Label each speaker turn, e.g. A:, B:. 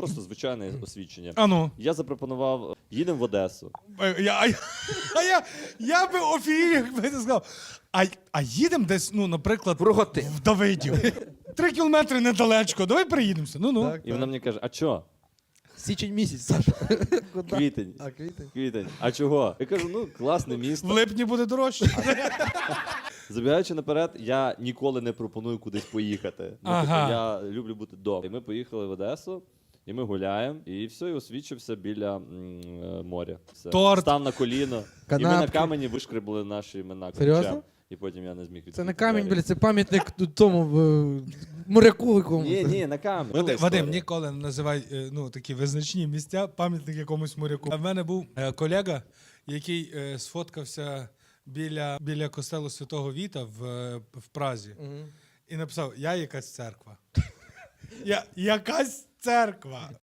A: просто звичайне освідчення.
B: А ну.
A: Я запропонував, їдемо в Одесу.
B: Я би офігів, якби ти сказав. А їдемо десь, ну, наприклад, в Давидів. 3 кілометри недалечко, давай приїдемося. Ну-ну.
A: І вона мені каже, а чо?
C: Січень місяць, Саша.
A: Квітень.
C: А, квітень?
A: Квітень. А чого? Я кажу, ну, класне
B: В
A: місто.
B: липні буде дорожче.
A: Забігаючи наперед, я ніколи не пропоную кудись поїхати. Ну,
B: Ага.
A: тобто я люблю бути вдома. І ми поїхали в Одесу, і ми гуляємо, і все, і освідчився біля моря. Все.
B: Торт.
A: Став на коліно, і ми на
C: Канапки.
A: камені вишкребли наші імена
C: Серйозно?
A: ключем. І потім я не зміг відкрити
C: Це не камінь,
A: двері.
C: блядь, це пам'ятник тому моряку якомусь.
A: Ні, на камінь. Мила
B: Вадим,
A: історія.
B: ніколи не називай такі визначні місця, пам'ятник якомусь моряку. А в мене був колега, який сфоткався біля костелу Святого Віта в Празі. І написав: я якась церква. Якась церква.